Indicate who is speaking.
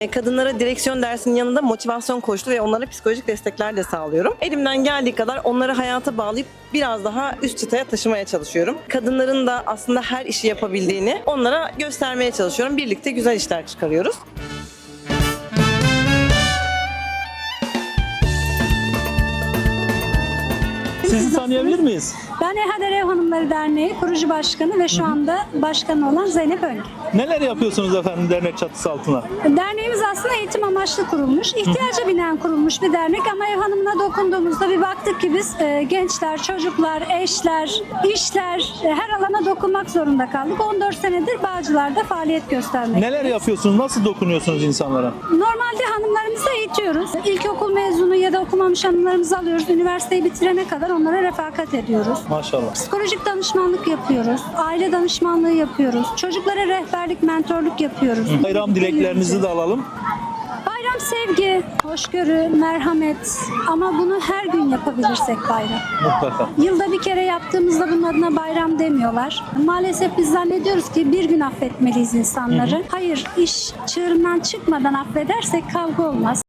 Speaker 1: Kadınlara direksiyon dersinin yanında motivasyon koçluğu ve onlara psikolojik destekler de sağlıyorum. Elimden geldiği kadar onları hayata bağlayıp biraz daha üst çıtaya taşımaya çalışıyorum. Kadınların da aslında her işi yapabildiğini onlara göstermeye çalışıyorum. Birlikte güzel işler çıkarıyoruz.
Speaker 2: Sizi tanıyabilir miyiz?
Speaker 3: Ben EHADER Ev Hanımları Derneği kurucu başkanı ve şu anda başkanı olan Zeynep Öngü.
Speaker 2: Neler yapıyorsunuz efendim dernek çatısı altına?
Speaker 3: Derneğimiz aslında eğitim amaçlı kurulmuş, ihtiyaca binen kurulmuş bir dernek ama ev hanımına dokunduğumuzda bir baktık ki biz gençler, çocuklar, eşler, işler her alana dokunmak zorunda kaldık. 14 senedir Bağcılar'da faaliyet göstermekteyiz.
Speaker 2: Neler yapıyorsunuz? Nasıl dokunuyorsunuz insanlara?
Speaker 3: Normalde hanımlarımızı eğitiyoruz. İlkokul mezunu ya da okumamış hanımlarımızı alıyoruz. Üniversiteyi bitirene kadar onlara refakat ediyoruz.
Speaker 2: Maşallah.
Speaker 3: Psikolojik danışmanlık yapıyoruz. Aile danışmanlığı yapıyoruz. Çocuklara rehberlik, mentorluk yapıyoruz.
Speaker 2: Bayram dileklerinizi de alalım.
Speaker 3: Bayram sevgi, hoşgörü, merhamet ama bunu her gün yapabilirsek bayram.
Speaker 2: Mutlaka.
Speaker 3: Yılda bir kere yaptığımızda bunun adına bayram demiyorlar. Maalesef biz zannediyoruz ki bir gün affetmeliyiz insanları. Hayır, iş çığırından çıkmadan affedersek kavga olmaz.